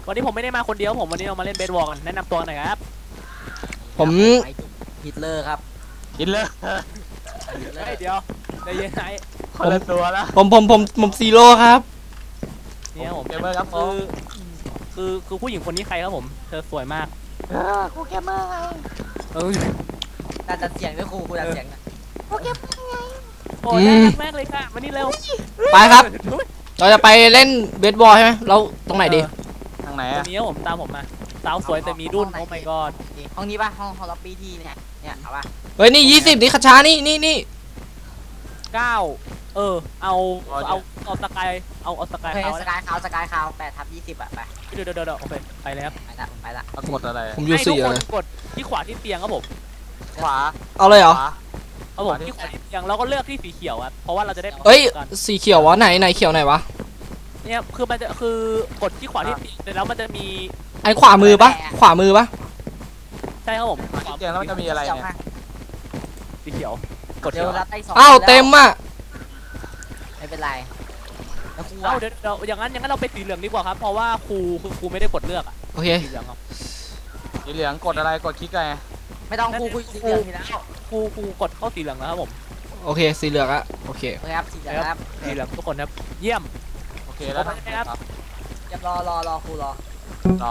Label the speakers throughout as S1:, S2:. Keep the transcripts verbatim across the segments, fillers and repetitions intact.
S1: วันนี้ผมไม่ได้มาคนเดียวผมวันนี้เรามาเล่นเบสบอลกันแนะนำตัวหน่อยครับ
S2: ผม
S3: ฮิตเลอร์ครับ
S4: ฮิตเลอร์
S1: เฮ้ยเดี๋ยวใจเย็นไอ้
S4: คนละตัวละ
S2: ผมผมผมผมซีโร่ครับ
S1: เนี่ยผม
S4: เกมเมอร์ครับ
S1: คือคือคือผู้หญิงคนนี้ใครครับผมเธอสวยมาก
S3: ครูเกมเมอร์ไง
S1: เออ
S3: น่าจะเสียงด้วยครูครูจะเสียงนะครูเกมเมอร์ไง
S1: โอ้ยน่ารักมากเลยค่ะมานี่เร็ว
S2: ไปครับเราจะไปเล่นเบสบอลใช่ไหมเราตรงไหนดี
S4: ทางไหน
S1: ตรงนี้ผมตามผมมาสาวสวยแต่มีรุ่นโอ้ my god
S3: ห้องนี้ป่ะห้องฮอลล์ปีที่เนี่ยเนี่ยเอาป่ะ
S2: เฮ้ยนี่ยี่สิบนี่คาชานี่นี่นี่
S1: เก้าเออเอาเอาเอาสกายเอาเอาสกายขาว
S3: สกายขาวสกายขาวแปดทับยี่สิบอะไป
S1: เดี๋ยวเดี๋ยวเดี๋ยวโอเคไปเลยครับ
S3: ไปละไปละ
S4: กดอะไร
S2: ผมอยู่สี่เลย
S1: กดที่ขวาที่เตียงครับผม
S4: ขวา
S2: เอาเลยเหรอ
S1: เอาผมที่ขวาที่เตียงเราก็เลือกที่สีเขียวครับเพราะว่าเราจะได้
S2: เอ้ยสีเขียววะไหนไหนเขียวไหนวะ
S1: เนี่ยคือมันจะคือกดที่ขวาที่เตียงเสร็จแล้วมันจะมี
S2: ไอ้ขวามือปะขวามือปะ
S1: ใช่ครับผม
S4: ที่เตียงแล้วมันจะมีอะไรเนี่ย
S1: สีเขียวกด
S3: เดี๋ยวรับได้สอง
S2: อ้าวเต็มอ่ะ
S3: ไม่เป็นไร
S1: แล้วครูเอาเดี๋ยวอย่างนั้นอย่างนั้นเราไปสีเหลืองดีกว่าครับเพราะว่าครูคือครูไม่ได้กดเลือกอ่ะ
S2: โอเค
S1: สีเหลืองครับ
S4: สีเหลืองกดอะไรกดคลิกไง
S3: ไม่ต้องครูคุยสีเหลืองทีแล้ว
S1: ครูครูกดเข้าสีเหลืองแล้วครับผม
S2: โอเคสีเหลืองอะโอเค
S3: ครับสีเหลืองครับ
S1: สีเหลืองทุกคนครับเยี่ยม
S4: โอเคแล้วครับ
S3: จะรอรอรอครูรอ
S4: รอ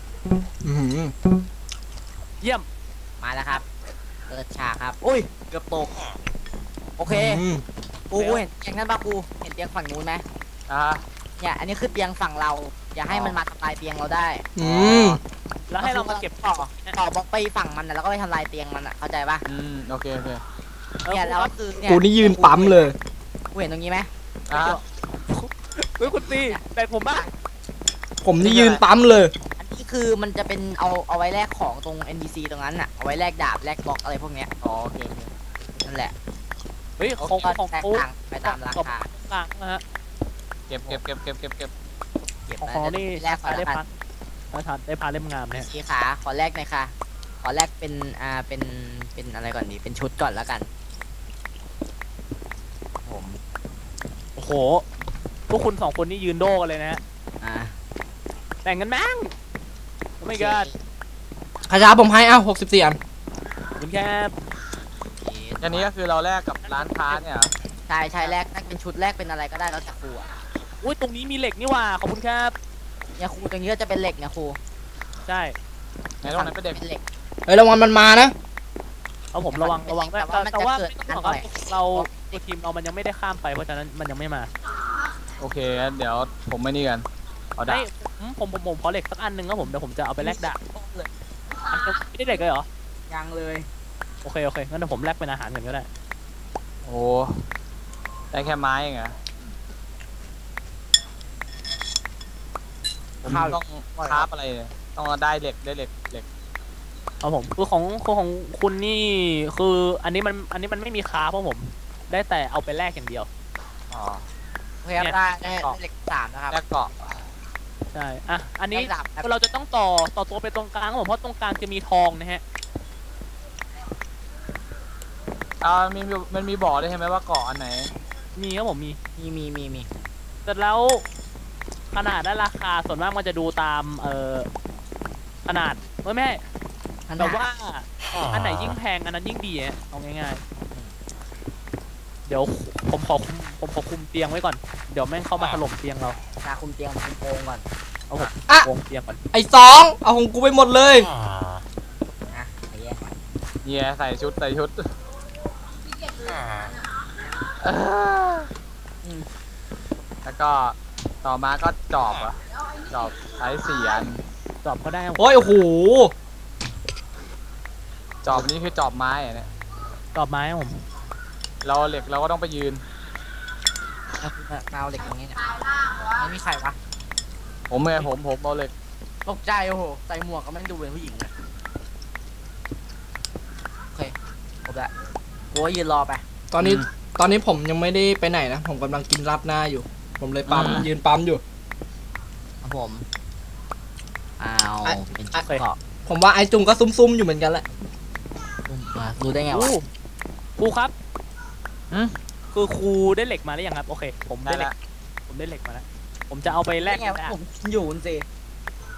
S1: เยี่ยม
S3: มาแล้วครับเปิดฉากครับอุ้ยเกือบตกโอเคครูเห็นเตียงนั้นป่ะครูเห็นเตียงฝั่งนู้นไหม
S4: อ่า
S3: เนี่ยอันนี้คือเตียงฝั่งเราอย่าให้มันมาทำลายเตียงเราได้
S2: อืม
S1: แล้วให้เรามาเก็บต่อ
S3: ต่อบล็อกไปฝั่งมันแล้วก็ไปทำลายเตียงมันอ่ะเข้าใจป่ะ
S4: อืมโอเคโอเค
S3: เนี่ยแล้วก็คือเนี่ย
S2: กูนี่ยืนปั๊มเลย
S3: กูเห็นตรงนี้ไหม
S4: อ่า
S1: เฮ้ยคุณตีแต่ผมบ้า
S2: ผมนี่ยืนปั๊มเลย
S3: อันนี้คือมันจะเป็นเอาเอาไว้แลกของตรง เอ็น พี ซี ตรงนั้นอ่ะเอาไว้แลกดาบแลกบล็อกอะไรพวกเนี้ย
S4: อ๋อโอเค
S3: นั่นแหละ
S1: เฮ้ยของของ
S3: แตกต่างไปตามราคา
S1: ต่างนะฮะ
S4: เก็บเก็บเก็บเก็บเก็บเก็บ
S1: เก็บของนี่แลกได้พันได้พันได้พันเล่มงามเนี่ย
S3: สีขาขอแลกหน่อยค่ะขอแลกเป็นอ่าเป็นเป็นอะไรก่อนดีเป็นชุดก่อนแล้วกันผม
S1: โอ้โหพวกคุณสองคนนี่ยืนโดกันเลยนะฮะ
S3: อ่า
S1: แต่งกันมั้งไม่เกิน
S2: ขยะผมให้อ้าวหกสิบสี่อัน
S1: คุณแค่
S4: อันนี้ก็คือเราแลกกับร้านค้าเนี่ย
S3: ใช่ใช่แลกเป็นชุดแลกเป็นอะไรก็ได้แล้วแต่ครูอ่ะ
S1: อุ้ยตรงนี้มีเหล็กนี่ว่าขอบคุณครับ
S3: เนี่ยครูตรงนี้ก็จะเป็นเหล็กนะครู
S1: ใช่
S4: ในตรงนั้นเป็นเหล็ก
S2: เฮ้ยระวังมันมานะ
S1: เอาผมระวังระวังแต่แต่ว่าเราทีมเรามันยังไม่ได้ข้ามไปเพราะฉะนั้นมันยังไม่มา
S4: โอเคเดี๋ยวผมไม่นี่กันเอาดาบ
S1: ผมผมผมขอเหล็กสักอันหนึ่งครับผมเดี๋ยวผมจะเอาไปแลกดาบไม่ได้เหล็กเลยเหรอ
S3: ยังเลย
S1: โอเคโอเคงั้นเดี๋ยวผมแลกเป็นอาหารกันก็ได้
S4: โอ้ได้แค่ไม้เองเหรอผมต้องคราฟอะไรต้องได้เหล็กได้เหล็กเหล็ก
S1: เอาผมคือของของคุณนี่คืออันนี้มันอันนี้มันไม่มีคราฟเพราะผมได้แต่เอาไปแลกอย่างเดียว
S4: อ๋อ
S3: โอเคได้ได้เหล็กสามนะครับ
S4: แลกเกาะ
S1: ใช่อ่ะอันนี้เราจะต้องต่อต่อตัวไปตรงกลางผมเพราะตรงกลางจะมีทองนะฮะ
S4: อ่ามีมันมีบอกได้ใช่ไหมว่าเกาะอันไหน
S1: มีครับผมมี
S3: มีมีมีมี
S1: แต่แล้วขนาดและราคาส่วนมากมันจะดูตามเอ่อขนาดไม่แม่แต่ว่าอันไหนยิ่งแพงอันนั้นยิ่งดีอ่ะเอาง่ายๆเดี๋ยวผมขอผมขอคุมเตียงไว้ก่อนเดี๋ยวแม่งเข้ามาถล่มเตียงเรา
S3: ตาคุมเตียงคุมโปงก่อน
S1: เอาผมโปงเตียงก่อน
S2: ไอ้สองเอาของกูไปหมดเลย
S3: นะไอ้แย่
S4: เย่ใส่ชุดใส่ชุดแล้วก็ต่อมาก็จอบอะจอบใช้สี่อัน
S1: จอบก็ได้
S2: โอ้ยโอ้โห
S4: จอบนี้คือจอบไม้เนี่ย
S1: จอบไม้ผม
S4: เราเหล็กเราก็ต้องไปยืน
S3: เอาเหล็กอย่างนี้เนี่ยไม่มีใครวะ
S4: ผมเลยผมผมเอาเหล็ก
S3: ตกใจโอ้โหใส่หมวกก็ไม่ดูเป็นผู้หญิงเลยโอเคจบละกูก็ยืนรอไป
S2: ตอนนี้ตอนนี้ผมยังไม่ได้ไปไหนนะผมกำลังกินราดหน้าอยู่ผมเลยปั๊มยืนปั๊มอยู่
S3: ผมอ้าวเป็นชุดเกาะ
S2: ผมว่าไอจุงก็ซุ่มๆอยู่เหมือนกันแหละ
S3: รู้ได้ไงวะ
S1: ครูครับคือครูได้เหล็กมาหรือยังครับโอเคผมได้เหล็กผมได้เหล็กมาแล้วผมจะเอาไปแลก
S3: ผมอยู่สิ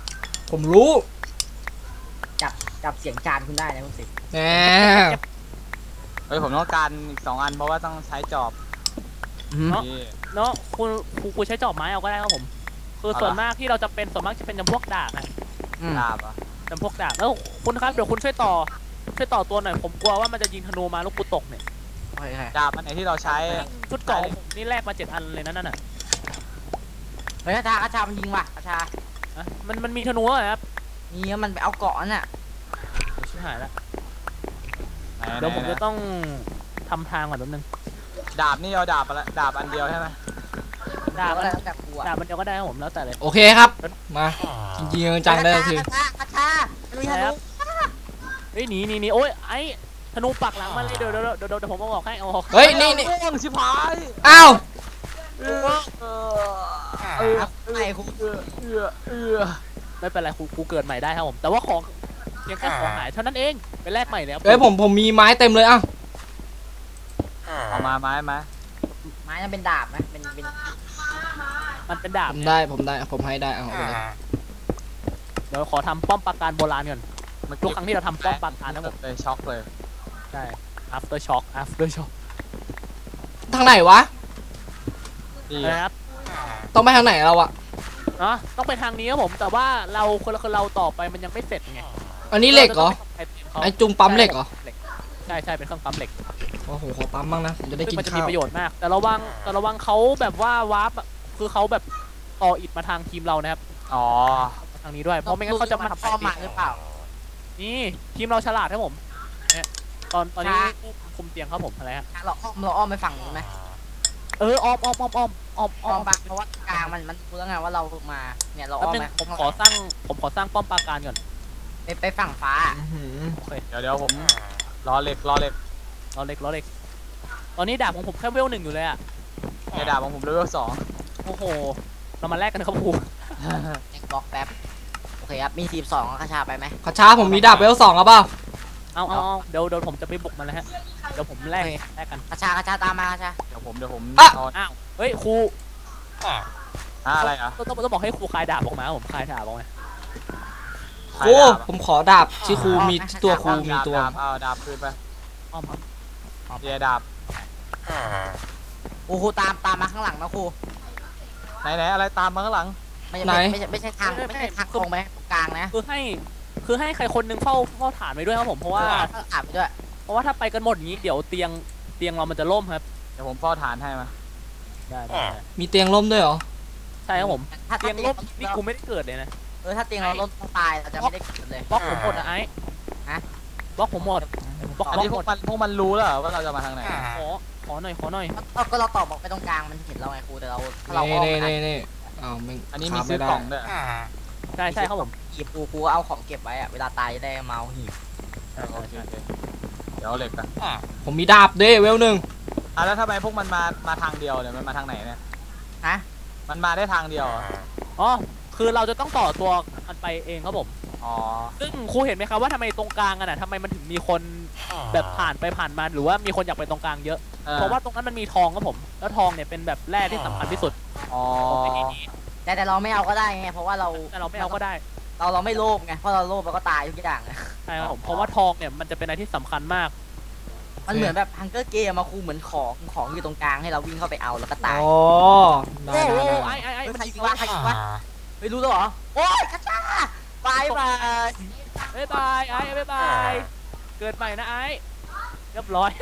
S2: ผมรู้
S3: จับจับเสียงจานคุณได้นะคุณสิ
S2: แหม
S4: เฮ้ยผมต้องการอีกสองอันเพราะว่าต้องใช้จอบ
S1: เนาะ
S4: นี่
S1: เนาะคุณครูครูใช้จอบไม้เอาก็ได้ครับผม คือส่วนมากที่เราจะเป็นส่วนมากจะเป็นจำพวกดาบนะ
S3: อืม
S4: ดาบอ่ะ
S1: จำพวกดาบแล้วคุณครับเดี๋ยวคุณช่วยต่อช่วยต่อตัวหน่อยผมกลัวว่ามันจะยิงธนูมาลูกกูตกเนี่ย
S3: โอเค
S4: ดาบอันไหนที่เราใช้
S1: ชุดเกราะของผมนี่แลกมาเจ็ดอันเลยนะนั่นน่ะ
S3: เฮ้ยกระชากระชามันยิงว่ะกระชา
S1: อ่ะมันมันมีธนูเหรอครับ
S3: นี่มันไปเอาเกาะนั่นน่ะ
S1: ชิบหายแล้ว
S4: ไหน
S1: เดี๋ยวผม
S4: ไหน
S1: จะต้องทำทางก่อนแป๊บนึง
S4: ดาบนี่เอาดาบอะไรดาบอันเดียวใช่ไหม
S1: ดาบ
S3: ก็
S1: อะไร
S3: แล้วแต่กูอะ
S1: ดาบมันเดียวก็ได้ครับผมแล้วแต่เลย
S2: โอเคครับ มาจริงๆจังๆได้ที
S3: กระชากระชาไม่รู้
S1: ใช่
S3: ยัง
S1: ครับเฮ้ยหนีหนีหนีโอ้ยไอ้ธนูปักหลังมาเลยเดี๋ยวเดี๋ยวเดี๋ยวเดี๋ยวผมเอาออกให้เอาออก
S2: เฮ้ยนี่นี่
S4: ม่วงชิบหาย
S2: อ้าว
S4: เออเออเออ
S3: ไอ้คุณ
S4: เออเออเออ
S1: ไม่เป็นไรครูครูเกิดใหม่ได้ครับผมแต่ว่าของเพียงแค่ของหายเท่านั้นเองไปแลกใหม่เลยครับ
S2: เฮ้ยผมผมมีไม้เต็มเลยอ่ะ
S4: เอามาไม้ไหม
S3: ไม้นั่นเป็นดาบนะเป็นเป็น
S1: มันเป็นดา
S2: ผ
S1: บ
S2: มได้ผมได้ผมให้ได้เอาไปเลย
S1: เดี๋ยวขอทำป้อมปราการโบราณก่อนทุกครั้งที่เราทำป้อมปราการนะผม
S4: เลยช็อกเลย
S1: ใช่ after shock after shock
S2: ทางไหนวะ
S4: ดี
S1: นะครับ
S2: ต้องไปทางไหนเราอะ
S1: เนาะต้องไปทางนี้ครับผมแต่ว่าเราคนละคนเราต่อไปมันยังไม่เสร็จไง
S2: อันนี้เหล็กเหรอ ไอจุงปั๊มเหล็กเหรอ
S1: ใช่ใช่เป็นเครื่องปั๊มเหล็ก
S2: โอ้โหขอปั๊มบ้างนะผมจะได้
S1: ซึ่
S2: กิ
S1: ง
S2: น
S1: มันจะมี
S2: ข้าว
S1: ประโยชน์มาก แต่ระวังแต่ระวังเขาแบบว่าวาร์ปอะคือเขาแบบต่ออิฐมาทางทีมเรานะครับ
S4: อ๋อ
S1: มาทางนี้ด้วยเพราะไม่งั้นเขาจะมาทำ
S3: ป้อมมาหรือเปล่า
S1: นี่ทีมเราฉลาดครับผมเนี่ยตอนตอนนี้คุมเตียงครับผมอะไรฮะ
S3: เราอ้อมเราอ้อมไปฝั่งนู้นไหม
S1: เอออ้อมอ้อมอ้อมอ้อมอ้อม
S3: อ้
S1: อ้
S3: อ
S1: อ
S3: ม
S1: ม
S3: ปะเพราะว่ากลางมันมันรู้แล้วไงว่าเรามาเนี่ยเรา
S1: แป๊บ
S3: อ้อม
S1: นึง
S3: ไป
S1: ผมขอสร้างผมขอสร้างป้อมปราการก่อน
S3: ไปไปฝั่งฟ้า
S2: อื้อหือ
S1: โอเค
S4: เดี๋ยวเดี๋ยวผมรอเหล็กรอเหล็ก
S1: ล้อเล็กล้อเล็กตอนนี้ดาบของผมแค่เวลหนึ่งอยู่เลยอะ
S4: ในดาบของผมเลเวลสอง
S1: โอ้โหเรามาแลกกันนะครับครู
S3: แจ็คบล็อกแป๊บโอเคครับมีทีมสองกระชาไปไหม
S2: ขอช้าผมมีดาบเวลสองครับเปล่า
S1: เอาเอาเอาเดี๋ยวเดี๋ยวผมจะไปบุกมันแล้วฮะเดี๋ยวผมแลกแลกกัน
S3: กระชากระชาตามมากระชา
S4: เดี๋ยวผมเดี๋ยวผมเอา
S1: อ้าวเฮ้ยครู
S4: อ่ะอะไรอ่ะ
S1: ต้องต้องต้องบอกให้ครูคลายดาบออกมาผมคลายดาบออกมา
S2: ครูผมขอดาบที่ครูมีตัวครูมี
S4: ดาบ
S2: ตัว
S4: ดาบเอาดาบคืนไป
S1: อ้อมครับ
S4: เดียดาบ
S3: ครูครูตามตามมาข้างหลังนะครู
S4: ไหนไหนอะไรตามมาข้างหลัง
S3: ไม่ใช่ไม่ใช่ไม่ใช่ทางไม่ใช่ทางตรงไปตรงกลางนะ
S1: คือให้คือให้ใครคนหนึงเฝ้าเฝ้าฐานไว้ด้วยครับผมเพราะว่า
S3: อ่านไปด้วย
S1: เพราะว่าถ้าไปกันหมดอย่างนี้เดี๋ยวเตียงเตียงเรามันจะล่มครับ
S4: เดี๋ยวผมเฝ้าฐานให้มา
S1: ได้ได้ได้
S2: มีเตียงล่มด้วยเหรอ
S1: ใช่ครับผม
S3: ถ้า
S1: เตียง
S3: เตียง
S1: ล่มนี่กูไม่ได้เกิดเลยนะ
S3: เออถ้าเตียงเราล้มต้องตายเราจะไม่ได้เกิดเลย
S1: บล็อกผมหมดนะไอ้
S3: ฮะ
S1: บล็อกผมหมดบล็อก
S4: อัน
S1: บล็อ
S4: นี้
S1: ก
S4: พ
S1: ห
S4: ว
S1: ม
S4: ก
S1: ด
S4: มันพวกมันรู้แล้วเหรอว่าเราจะมาทางไหน
S1: ขอขอหน่อยขอหน่อย
S3: ก็ก็เราตอบบอกไปตรงกลางมันเห็นเราไงครูแต่เราถ้าเรา
S2: นี่
S3: อ้อม
S2: นี่
S3: ไป
S2: นี่นี่อ้าวไม่
S4: อันนี้มี
S2: ขา
S4: ซื้อ
S2: ไได้
S4: กล่องด้วย
S1: ใช่ใช่ครับผม
S3: หีบครูครูเอาของเก็บไว้อะเวลาตายจะได้เมาหีบ
S1: ใช่
S4: โอ
S1: ใช่
S4: เค
S1: ใช่
S4: โอเคเดี๋ยวเอาเหล็กกัน
S2: ผมมีดาบด้วยเวลหนึ่ง
S4: อ่ะแล้วทำไมพวกมันมามาทางเดียวเนี่ยมันมาทางไหนเนี่ย
S3: ฮะ
S4: มันมาได้ทางเดียวเหรอ
S1: อ๋อคือเราจะต้องต่อตัวมันไปเองครับผม
S4: อ๋อ
S1: ซึ่งครูเห็นไหมครับว่าทำไมตรงกลางกันอ่ะทำไมมันถึงมีคนแบบผ่านไปผ่านมาหรือว่ามีคนอยากไปตรงกลางเยอะ
S4: ออ
S1: เพราะว่าตรงนั้นมันมีทองครับผม แล้วทองเนี่ยเป็นแบบแร่ที่สำคัญที่สุด
S4: อ๋อ
S1: ในที่นี้
S3: แต่แต่เราไม่เอาก็ได้ไงเพราะว่าเรา
S1: แต่เราไม่เอาก็ได้
S3: เราเราไม่โลภไงเพราะเราโลภเราก็ตายทุกอย่าง
S1: ใช่ครับผม เพราะว่าทองเนี่ยมันจะเป็นอะไรที่สำคัญมาก
S3: มันเหมือนแบบฮังเกอร์เกมมาครูเหมือนของของอยู่ตรงกลางให้เราวิ่งเข้าไปเอาแล้วก็ตาย
S2: อ๋อได้
S1: โอ้
S2: ได้
S1: โห
S2: ได้
S1: ไอ้ไอ้ไอ้
S3: เฮ้ย
S1: มัน
S3: ใคร
S1: ยิ
S3: ยิ
S1: ง
S3: งวะใครยิงวะไม่รู้แล้วเหรอโอ้ยกระชาบายบาย
S1: บ๊ายบายไอ้บ๊ายบายเกิดใหม่นะไอ้เรียบร้อย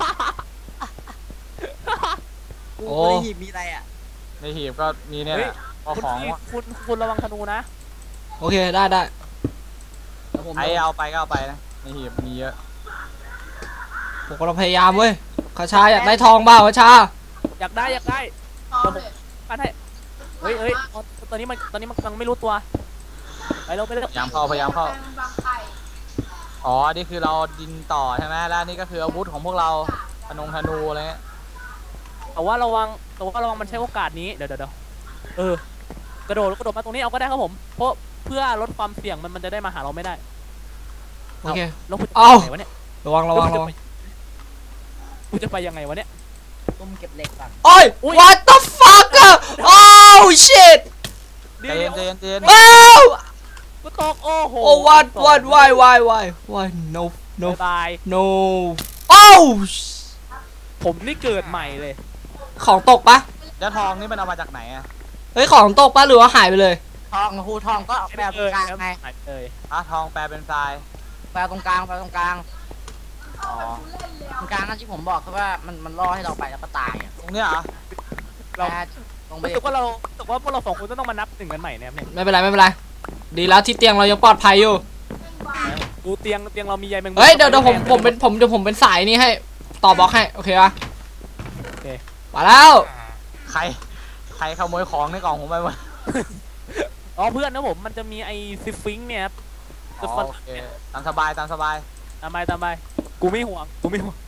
S3: กูไม่ได้หีบมีอะไรอ่ะ
S4: ในหีบก็มีเนี่ยแหละเอา
S1: คุณ
S4: ของ
S1: คุณคุณคุณระวังธนูนะ
S2: โอเคได้ได้
S3: เดี๋ยวผม
S4: ใครเอาไปก็เอาไปนะในหีบมีเยอะ
S2: ผมกำลังพยายามเว้ยขอชาอยากได้ทองเปล่าขอชา
S1: อยากได้อยากได้เดี๋ยวผมปั้นให้เฮ้ยเฮ้ยเอาตอนนี้มันตอนนี้มันกำลังไม่รู้ตัวไปเร็วไปเร็ว
S4: พยายามเข้าพยายามเข้าอ๋อนี่คือเราดินต่อใช่ไหมแล้วนี่ก็คืออาวุธของพวกเราธนงธนูอะไรเงี้ย
S1: แต่ว่าระวังแต่ว่าระวังมันใช้โอกาสนี้เดี๋ยวเดี๋ยวเดี๋ยวเออกระโดดกระโดดมาตรงนี้เอาก็ได้ครับผมเพราะเพื่อลดความเสี่ยงมันมันจะได้มาหาเราไม่ได้
S2: โอเค
S1: แล้วคุณจะ
S2: เอ้า
S1: ไปไหนวะเนี่ย
S2: ระวังระวังระวัง
S1: คุณจะไปยังไงวะเนี่ย
S3: ตุ้มเก็บเหล็กก่อน
S2: โอ้ย what the fuck อะ oh shit
S1: เดี๋
S4: ใจ
S1: ยว
S4: เย็
S1: เดี๋
S4: น
S1: ยว
S4: ใจเย็นใจเย็น
S2: อ้าว
S1: กูตตกโอ้โห
S2: โอ้ what what why why why why no no
S1: บาย
S2: no โอ้
S1: ผมนี่เกิดใหม่เลย
S2: ของตกปะ
S4: แล้วทองนี่มันเอามาจากไหนอะ
S2: เฮ้ยของตกปะหรือว่าหายไปเลย
S3: ทองครูทองก็แปลตรงกลางไง
S1: หายเลย
S4: อ่ะทองแปลเป็นทราย
S3: แปลตรงกลางแปลตรงกลาง
S4: อ๋อ
S3: ตรงกลางนั่นที่ผมบอกคือว่ามันมันล่อให้เราไปแล้วก็ตายอ่ะ
S4: ตรงเนี้ยเหรอ
S1: เรา
S3: แปลตรงไป
S1: รู้สึกว่าเรารู้สึกว่าพวกเราสองคนต้องมานับหนึ่งกันใหม่นะครับเนี่ย
S2: ไม่เป็นไรไม่เป็นไรดีแล้วที่เตียงเรายังปลอดภัยอยู่
S1: ดูเตียงเตียงเรามีใยแมงมุม
S2: เฮ้ยเดี๋ยวเดี๋ยวผมผมเป็นผมเดี๋ยวผมเป็นสายนี่ให้ต่อบล็อกให้โอเคปะ
S1: โอเค
S2: มาแล้ว
S4: ใครใครขโมยของในกล่องผมไปวะ
S1: อ๋อเพื่อนนะผมมันจะมีไอ้ซิฟฟิงค์เนี่ยครับ
S4: อ๋อโอเคตามสบายตามสบาย
S1: ตามไปตามไปกูไม่ห่วงกูไม่ห่วง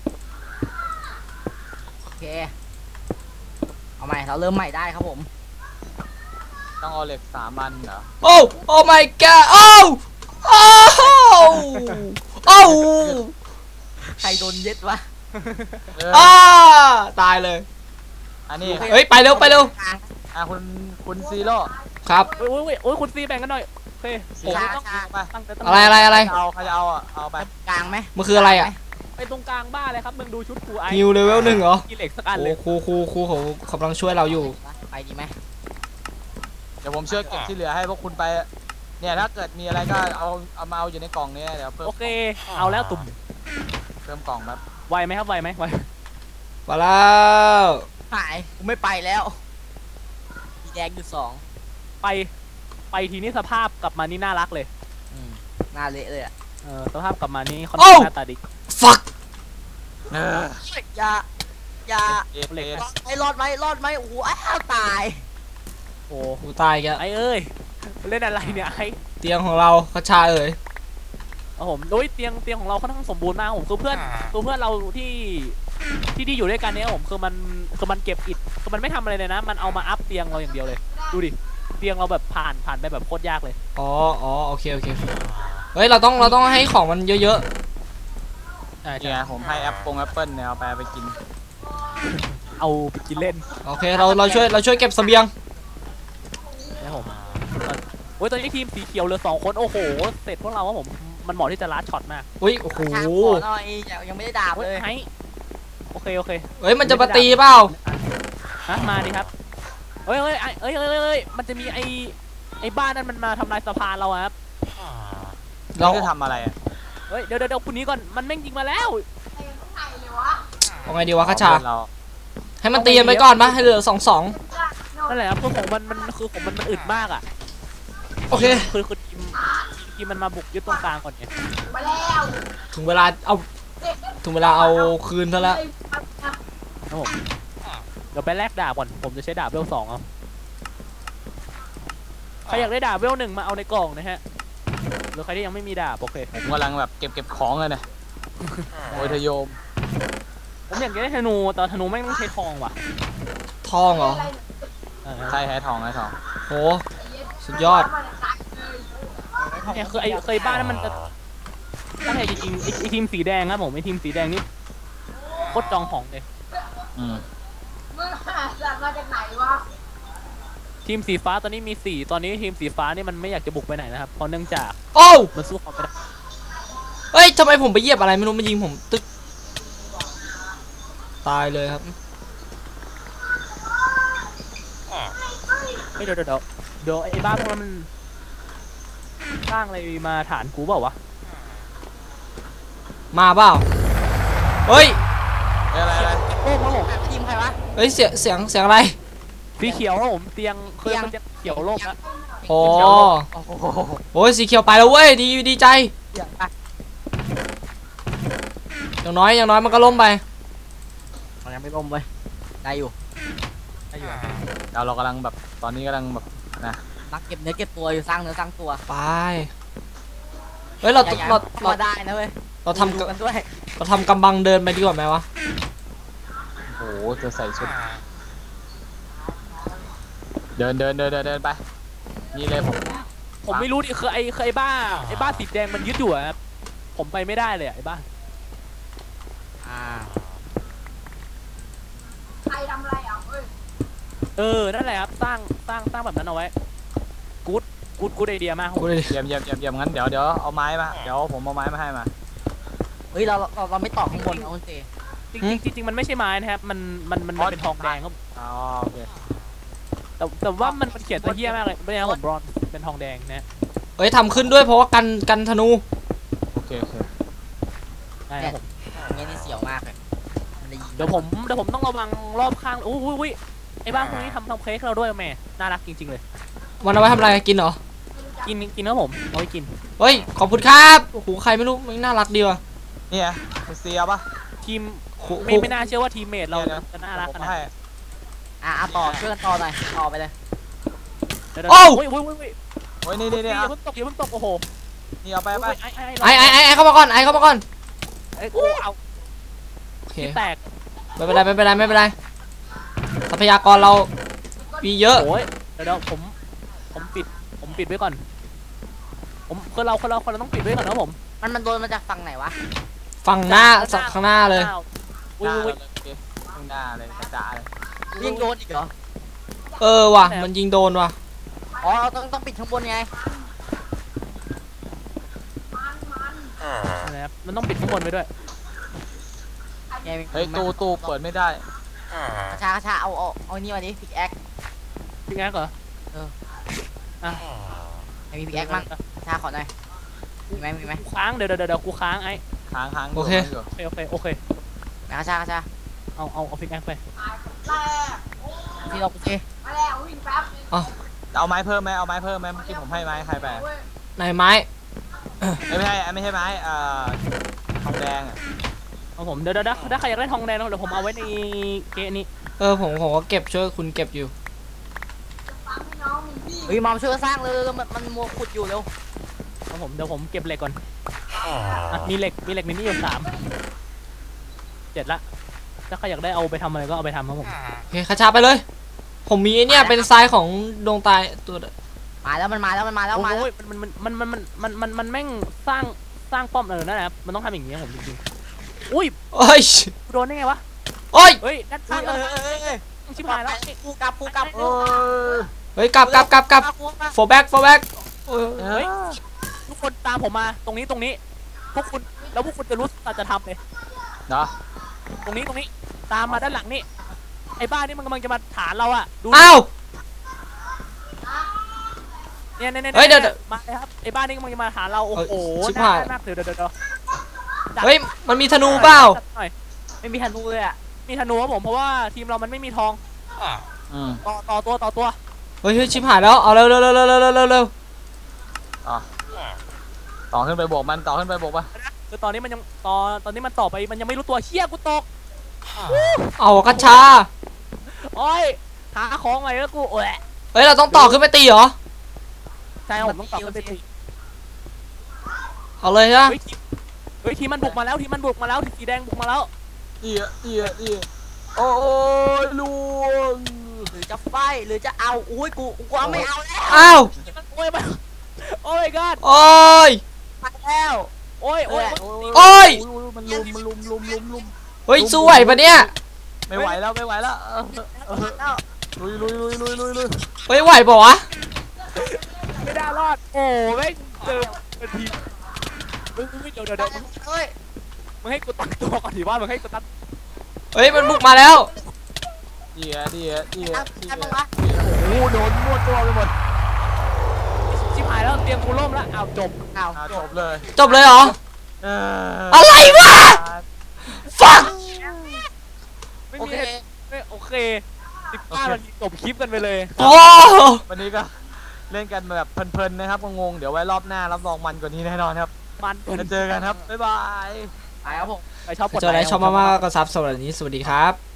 S3: โอเคเอาใหม่เราเริ่มใหม่ได้ครับผม
S4: ต้องเอาเหล็กสามอันเหรอ
S2: โอ้โอ้ my god โอ้โอ้โอ้
S3: ใครโดนยึดวะ
S4: เออ
S2: อ้าตายเลย
S4: อันนี้
S2: เฮ้ยไปเร็วไปเร็ว
S4: อ่ะคุณคุณซีโร่
S2: ครับ
S1: โอ้ยโอ้ยโอ้ยคุณซีแบ่งกันหน่อยโอเคผม
S3: ช้า
S1: ต้อง
S3: ช้า
S4: ไป
S1: ตั้งแต่ตั้ง
S2: อะไรอะไรอะไร
S4: เอาใครจะเอาอ่ะเอาไป
S3: กลางไหม
S2: มันคืออะไรอ่ะ
S1: ไปตรงกลางบ้านเลยครับมึงดูชุดครูไอ
S2: ฮิวเลเวลหนึ่งเหรอ
S1: กินเหล็กสักอัน
S2: โอ้
S1: เลย
S2: ครูครูครูเขากำลังช่วยเราอยู่
S3: ไปดีไหม
S4: เดี๋ยวผมช่วยเก็บที่เหลือให้พวกคุณไปเนี่ยถ้าเกิดมีอะไรก็เอาเอามาเอาอยู่ในกล่องเนี้ยเดี๋ยวเพิ่ม
S1: โอเคเอาแล้วตุ่ม
S4: เพิ่มกล่องแบบ
S1: ไวไหมครับไวไหมไว
S2: มาแล้ว
S3: หายกูไม่ไปแล้วมีแดงอยู่สอง
S1: ไปไปทีนี้สภาพกลับมานี่น่ารักเลย
S3: อืมหน้าเละเลยอ่ะ
S1: เออสภาพกลับมานี่ค่อนข้างหน้าตาดี
S2: fuck
S4: เออ
S3: อย่าอย่า
S4: เอ็ดเอ็ด
S3: รอดไหมรอดไหมรอดไหมโอ้โหอ้าวตาย
S1: โอ้
S2: กูตายแกแล้ว
S1: ไอเอ้ยเล่นอะไรเนี่ยไอ
S2: เตียงของเราคชาเอ๋ย
S1: เอาผมโดยเตียงเตียงของเราค่อนข้างสมบูรณ์มากผมคือเพื่อนคือเพื่อนเราที่ที่ที่อยู่ด้วยกันเนี่ยผมคือมันคือมันเก็บอิฐคือมันไม่ทำอะไรเลยนะ มันเอามาอัพเตียงเราอย่างเดียวเลยดูดิเตียงเราแบบผ่านผ่านไปแบบโคตรยากเลย
S2: อ๋ออ๋อโอเคโอเคเฮ้ยเราต้องเราต้องให้ของมันเยอะ
S1: ใช่ใช่
S4: เนี่ยผมให้แอปปงแอปเปิลเนี่ยเอาไปเอาไปกิน
S1: เอาไปกินเล่น
S2: ๆโอเคเราเราช่วยเราช่วยเก็บเสบียง
S1: นะผมโอ้ยตอนนี้ทีมสีเขียวเหลือสองคนโอ้โหเสร็จพวกเราว่าผมมันเหมาะที่จะลัดช็อตมาก
S2: อุ้ยโอ้โห
S3: ช่างขอหน่อยยังยังไม่ได้ดาบ
S1: เฮ้ย
S3: เลย
S1: ไอโอเคโอเค
S2: เฮ้ยมันจะมาตีเปล่า
S1: ฮะมาดิครับเฮ้ยเฮ้ยไอเอ้ยเฮ้ยเฮ้ยเฮ้ยมันจะมีไอไอบ้านนั้นมันมาทำลายสะพานเราอะครับ
S2: เรา
S4: นี่จะทำอะไรอ่ะ
S1: เฮ้ยเดี๋ยวเดี๋ยวเดี๋ยวคุณนี้ก่อนมันแม่งยิงมาแล้ว
S2: เอาไงดีวะคชา
S4: เพื่อนเรา
S2: ให้มันตีกันไปก่อนปะให้เหลือสองสอง
S1: นั่นแหละครับคือของมันมันคือของมันมันอึดมากอ่ะ
S2: โอเค
S1: คือคือทีมทีมมันมาบุกยึดตรงกลางก่อนไง
S2: ถึงเวลาเอาถึงเวลาเอาคืนซะแล้ว
S1: ครับผมเดี๋ยวไปแลกดาบก่อนผมจะใช้ดาบเวลสองเอาใครอยากได้ดาบเวลหนึ่งมาเอาในกล่องนะฮะหรือใครที่ยังไม่มีดาบโอเค
S4: ผมกำลังแบบเก็บเก็บของเลยเนี่ยโอ้ยทโยม
S1: ผมอยากได้ธนูแต่ธนูแม่งต้องใช้ทองว่ะ
S2: ทองเหรอ
S1: เออ
S4: ใช่แท้ทองแท้ทอง
S2: โหสุดยอด
S1: เนี่ยคือไอ้เคยบ้านนั้นมันจะถ้าใครจริงๆไอ้ไอ้ทีมสีแดงครับผมไอ้ทีมสีแดงนี่โคตรจองของเลย
S4: อืม
S5: มึงหาสัตว์มาจากไหนวะ
S1: ทีมสีฟ้าตอนนี้มีสี่ตอนนี้ทีมสีฟ้านี่มันไม่อยากจะบุกไปไหนนะครับเพราะเนื่องจาก
S2: โอ้ว
S1: มันสู้เขาไม่ได้
S2: เฮ้ยทำไมผมไปเหยียบอะไรไม่รู้มันยิงผมตึ๊กตายเลยครับ
S1: เฮ้ยเดี๋ยวเดี๋ยวเดี๋ยวเดี๋ยวไอ้บ้านพวกนั้นมันสร้างอะไรมาฐานกูเปล่าวะ
S2: มาเปล่าเฮ้ย
S4: เอ้ยอะไรอะไร
S1: โอ้โห
S3: ทีมใครวะ
S2: เฮ้ยเสียงเสียงเสียงอะไร
S1: สีเขียวครับผมเตียงเคย
S3: เตียง
S1: มันจะเขียวโลกแล้ว
S2: โอ้
S3: โอ้โห
S2: โอ้ยสีเขียวไปแล้วเว้ยดีดีใจ
S3: เดี๋ยวไป
S2: อย่างน้อยอย่างน้อยมันก็ล้มไป
S3: มันยังไม่ล้มเว้ยได้อยู่
S1: ได้อยู่
S4: เราเรากำลังแบบตอนนี้กำลังแบบนะ
S3: นักเก็บเนื้อเก็บตัวอยู่สร้างเนื้อสร้างตัว
S2: ไปเฮ้ยเรา
S3: อย่าอย่า
S2: เรา
S3: เข้า
S2: เรา
S3: มาได้นะเว้ย
S2: เราทำ
S3: ดูกันด้วย
S2: เราทำกำบังเดินไปดีกว่าไหมวะ
S4: โอ้โหจะใส่ชุดเดินเดินเดินเดินเดินไปนี่เลยผม
S1: ผมไม่รู้ดิคือไอ้คือไอ้บ้าไอ้บ้าสีแดงมันยึดอยู่อะครับผมไปไม่ได้เลยอะไอ้บ้า
S3: อ่า
S5: ใครทำอะไรอ่ะเฮ้ย
S1: เออนั่นแหละครับสร้างสร้างสร้างแบบนั้นเอาไว้กู๊ดกูดกูดไอเดียมากครับผ
S2: กู
S1: ม
S2: เลยดิ
S4: เยี่ยมเยี่ยมเยี่ยมเยี่ยมงั้นเดี๋ยวเดี๋ยวเอาไม้มาเดี๋ยวผมเอาไม้มาให้มา
S3: เฮ้ยเราเราเราไม่ต่อข้างบนนะคุณเจ
S1: จริงๆจริงๆมันไม่ใช่ไม้นะครับมันมันมันมันเป็นทองแดงครับ
S4: อ๋อโอเค
S1: แต่แต่ว่ามันมันเขียนตะเฮี้ยมากเลยไม่ใช่ครับผมบรอนเป็นทองแดงนะ
S2: เอ้ยทำขึ้นด้วยเพราะว่ากันกันธนู
S4: โอเคโอเค
S1: ได้ครับผม
S3: อย่างเงี้ยนี่เสียวมากเลยมันจะยิง
S1: เดี๋ยวผมเดี๋ยวผมต้องระวังรอบข้างอุ้ยอุ้ยอุ้ยไอ้บ้านพวกนี้ทำทำเค้กเราด้วยแม่น่ารักจริงๆเลย
S2: มันเอาไว้ทำอะไรกินเหรอ
S1: กินกินครับผมเอาไว้กิน
S2: เฮ้ยขอบคุณครับโอ้โหใครไม่รู้มันน่ารักดีว่ะ
S4: นี่ไงคุณเซียปะ
S1: ทีม
S2: ครู
S1: ไม่ไม่น่าเชื่อว่าทีมเมทเรา
S4: นี่ย
S1: จะน่ารักข
S4: ผม
S1: นาด
S4: ให้
S1: นั้น
S3: อ่ะอ่ะต่อช่วยกันต่อหน่อยต่อไปเลย
S1: เดี๋ยวเดี๋ยวอุ้ยอุ้ยอุ้ยอุ้ย
S4: โอ้ยนี่นี่
S1: นี่
S4: นี่
S1: อย่า
S4: อ่ะ
S1: เพิ่งตกอย่าเพิ่งตกโอ้โห
S4: นี่เอาไปไป
S1: ไอ้ไอ้
S2: ไอไอไอไอเข้ามาก่อนไอเข้ามาก่อน
S1: ไอ้กูเอา
S2: โอเค
S1: ที่แตก
S2: ไม่เป็นไรไม่เป็นไรไม่เป็นไรทรัพยากรเรามีเยอะ
S1: โอ้ยเดี๋ยวเดี๋ยวผมผมปิดผมปิดไว้ก่อนผมคนเราคนเราคนเราต้องปิดไว้ก่อนนะผม
S3: มันมันโดนมาจากฝั่งไหนวะ
S2: ฝั่งหน้าสักข้างหน้าเลย
S1: อุ้ยอุ้ย
S4: ข้างหน้าเลยกระจายเลย
S3: ยิงโดนอีกเหรอ
S2: เออว่ะมันยิงโดนว่ะ
S3: อ๋อเราต้องต้องปิดข้างบนไง
S1: นะครับมันต้องปิดข้างบนไว้ด้วย
S3: ไง
S4: เฮ้ยตู้ตู้เปิดไม่ได้
S3: กระชากระชาเอาเอาเอานี่มาดิพิกแอค
S1: พี่แอ๊กเหรอ
S3: ไอ้มีพิกแอคมั่งกระชาขอหน่อยมีไหมมีไหม
S1: กูค้างเดี๋ยวเดี๋ยวเดี๋ยวกูค้างไอ้
S4: ค้างค้าง
S2: โอเค
S4: ยู่
S1: โอเคโอเคโอเค
S3: กระชากระชา
S1: เอาเอาเอาพี่แอ๊กไป
S3: ที่เราโอเค
S5: มาแล้ววิ่งแป๊บ
S4: เอาไม้เพิ่มไหมเอาไม้เพิ่มไหมเมื่อกี้ผมให้ไม้ใครไป
S2: นายไม้
S4: ไม่ใช่ไม่ใช่ไม้เอ่อทองแดงอ่ะ
S1: เอาผมเดี๋ยวเดี๋ยวเดี๋ยวถ้าใครอยากได้ทองแดงเดี๋ยวผมเอาไว้ในเกะนี้
S2: เออผมผมก็เก็บช่วยคุณเก็บอยู่
S5: ฟังให้น้องมีพี่
S3: เฮ้ยมอมช่วยกันสร้างเลยมันมันมัวขุดอยู่เร็ว
S1: เอาผมเดี๋ยวผมเก็บเหล็กก่อนอ่ะมีเหล็กมีเหล็กมีนี่อยู่สามเจ็ดละถ้าใครอยากได้เอาไปทำอะไรก็เอาไปทำครับผม
S2: โอเคคาชาไปเลย ผมมีไอ้เนี่ยเป็นทรายของดวงตายตัว
S3: มาแล้วมันมาแล้วมันมาแล้วมาแล้ว
S1: โอ้ยมันมันมันมันมันมันมันมันแม่งสร้างสร้างป้อมเออนั่นแหละครับมันต้องทำอย่างนี้ครับผมจริงๆอุ้ย
S2: โอ้ย
S1: กูโดนได้ไงวะ
S2: โอ้ย
S1: เฮ้ยด้าน
S3: เอ
S1: ข้าง
S3: อเออเออเออ
S1: ชิบหายแล้ว
S3: กูกลับกูกลับ
S4: เออ
S2: เฮ้ยกลับกลับกลับกลับ โฟแบ็กโฟแบ็ก
S1: เฮ้ยทุกคนตามผมมาตรงนี้ตรงนี้พวกคุณแล้วพวกคุณจะรู้สัจธรรมเลย
S4: เนาะ
S1: ตรงนี้ตรงนี้ตามมาด้านหลังนี่ไอ้บ้านนี่มันกำลังจะมาฐานเราอะดู
S2: อ้าว
S1: เนี่ยเนี่ยเนี่ย
S2: เฮ้ยเดี๋ยวเดี๋ยว
S1: มาเลยครับไอ้บ้านนี่กำลังจะมาฐานเราโอ้โห
S2: เอ้ยชิบ
S1: น่า
S2: หาย
S1: น่าเดี๋ยวเดี๋ยวเดี๋ยว
S2: เฮ้ยมันมีธนูเปล่า
S1: หน่อย
S3: ไม่มีธนูเลยอ่ะ
S1: มีธนูครับผมเพราะว่าทีมเรามันไม่มีทอง
S4: อืม
S1: ต่อต่อตัวต่อตัว
S2: เฮ้ยเฮ้ยชิบหายแล้วเอาเร็วเร็วเร็วเร็วเร็วเร็วเร็วเร็ว
S4: อ่ะต่อขึ้นไปโบกมันต่อขึ้นไปโบกปะ
S1: คือตอนนี้มันยังตอนตอนนี้มันต่อไปมันยังไม่รู้ตัวเชี่ยกูตก
S2: เอากระชา
S1: โอ้ยหาของใหม่แล้วกูโอ้ย
S2: เฮ้ยเราต้องต่อขึ้นไปตีเหรอ
S1: ใช่ครับผมต้องต่อกันไปตี
S2: เอาเลยใช่ไหม
S1: เฮ้ยทีมเฮ้ยทีมมันบุกมาแล้วทีมมันบุกมาแล้วทีมสีแดงบุกมาแล้ว
S4: เอียเอียเอียโอ้ยลวง
S3: หรือจะไฟหรือจะเอาอุ้ยกูกูเอาไม่เอาแล้ว
S2: อ้าว
S1: ทีมมันโอ้ยมาโอ้ยกัด
S2: โอ้ย
S3: ไปแล้ว
S1: โอ้ยโอ้ย
S2: โอ้ย
S4: มันลุมมันลุมลุมลุมลุม
S2: เฮ้ยสู้ไหวปะเนี่ย
S4: ไม่ไหวแล้วไม่ไหวแล้วเออ
S3: แล้ว
S4: ลุยลุยลุยลุยลุยลุย
S2: เฮ้ยไหวปะวะ
S1: ไม่ได้รอดโอ้แม่งเจอเป็นทีมมึงไม่เดี๋ยวเดี๋ยวเดี๋ยวมึง
S3: เฮ้ย
S1: มึงให้กูตั้งตัวก่อนดิว่ามึงให้กูตั้ง
S2: เฮ้ยมันบุกมาแล้ว
S4: เอียเอียเอีย
S3: ทำ
S4: เอีย
S3: ทำมึงวะ
S4: โอ้โหโดนมั่วตัวไปหมด
S1: ชิบหายแล้วเตรียมกูล่มแล้วอ้าวจบ
S3: เอา
S4: อ่ะจบเลย
S2: จบเลยเหรอ
S4: เออ
S2: อะไรวะ ฟัง
S1: ไม่
S3: โอ
S1: มี
S3: เค
S1: เหตุไม่โอเคสิบห้านาทีจบคลิปกันไปเลย
S2: โอ้
S4: วันนี้ก็เล่นกันแบบเพลินๆนะครับงงๆเดี๋ยวไว้รอบหน้ารับรองมันกว่านี้แน่นอนครับ
S1: มัน
S4: จะเจอกันครับบ๊ายบาย
S3: ไปครับผม
S1: ใครชอบกด
S2: เจออะไร
S1: ค์
S2: ชอบมากๆก็ซับสวัสดีสวัสดีครับ